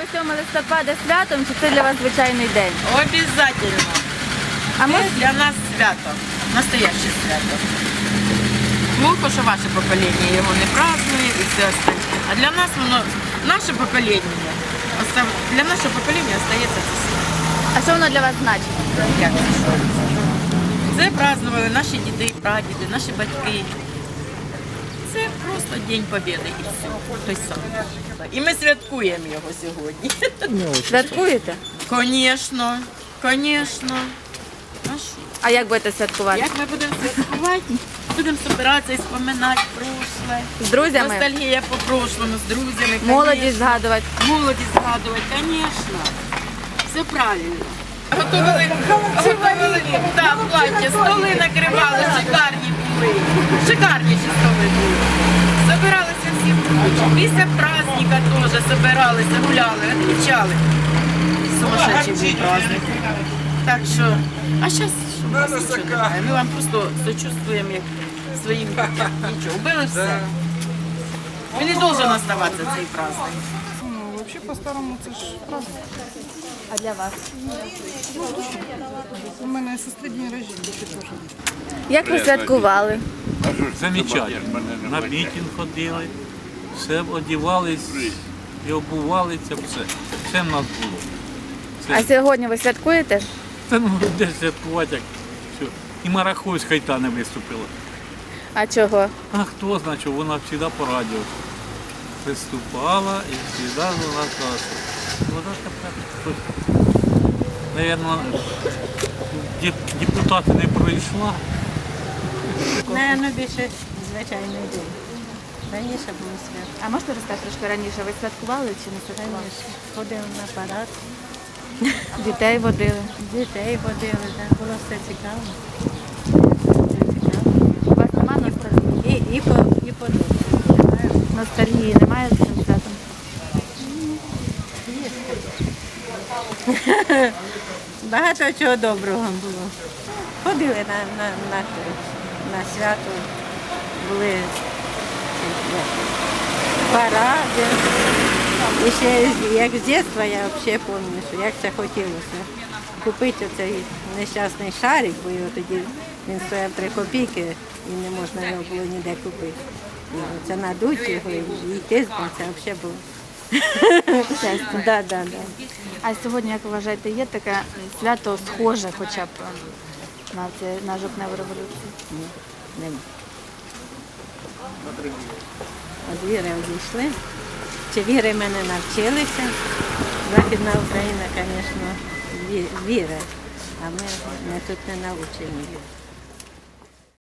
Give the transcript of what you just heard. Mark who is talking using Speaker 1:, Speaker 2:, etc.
Speaker 1: 7 листопада святом, чи це для вас звичайний день?
Speaker 2: Обязательно.
Speaker 1: А
Speaker 2: Це
Speaker 1: ми
Speaker 2: для нас свято, настояще свято. Плохо, що ваше покоління його не празднує і все остальне. А для нас воно, наше покоління, для нашого покоління остається це свято.
Speaker 1: а що воно для вас значить?
Speaker 2: Як це що? Це празднували наші діди, прадіди, наші батьки. Це просто День Побєди і все. Той самий. І ми святкуємо його сьогодні.
Speaker 1: Святкуєте?
Speaker 2: Звісно, звісно. А що?
Speaker 1: А як будете святкувати?
Speaker 2: Як ми будемо святкувати? Будемо збиратися і споминати прошле.
Speaker 1: З друзями?
Speaker 2: Ностальгія по прошлому, з друзями.
Speaker 1: Молодість
Speaker 2: конечно.
Speaker 1: згадувати?
Speaker 2: Молодість згадувати, звісно. Все правильно. Готували да, плаття, столи накривали, шикарні були. Шикарніші столи були. Собиралися всі вручі. Після праздника теж собиралися, гуляли, відмічали. Сумасшедший був праздник. Так що, а зараз у нас нічого немає. Ми вам просто сочувствуємо як своїм дітям. Нічого, вбили все. Він не должен оставатися цей праздник.
Speaker 3: Ну, вообще по-старому це ж праздник.
Speaker 1: А для вас?
Speaker 3: У мене сестри день рождения теж.
Speaker 1: Як ви святкували?
Speaker 4: Замечательно. На мітинг ходили, все одівались і обувалися, все в нас було.
Speaker 1: А сьогодні ви святкуєте?
Speaker 4: Та ну де святкувати, як все. І Марахой з Хайта не виступила.
Speaker 1: А чого?
Speaker 4: А хто знає, що вона завжди по радіо виступала і завжди вона казала, вона тепер хтось. Навірно, депутати не пройшла.
Speaker 5: Наверно, більше звичайний день. Раніше було свято.
Speaker 1: А можете розказати трошки раніше, ви святкували чи не святкували?
Speaker 5: Раніше ходили на парад,
Speaker 1: Дітей водили.
Speaker 5: дітей водили, да. Було все цікаво. Все цікаво.
Speaker 1: У вас немає ностальгії?
Speaker 5: І подобається.
Speaker 1: Ностальгії немає з цим святом?
Speaker 5: Багато чого доброго було. Ходили на свято, були ці, паради. І ще як з дитинства я взагалі пам'ятаю, як це хотілося. Купити цей нещасний шарик, бо його тоді він стояв 3 копійки і не можна його було ніде купити. І це надуть його і йти з ним, це взагалі було. Да.
Speaker 1: А сьогодні, як ви вважаєте, є таке свято схоже хоча б на жовтневу революцію?
Speaker 5: Ні, нема. От віри одійшли. Чи віри ми не навчилися? Західна Україна, звісно, віра, а ми тут не навчені.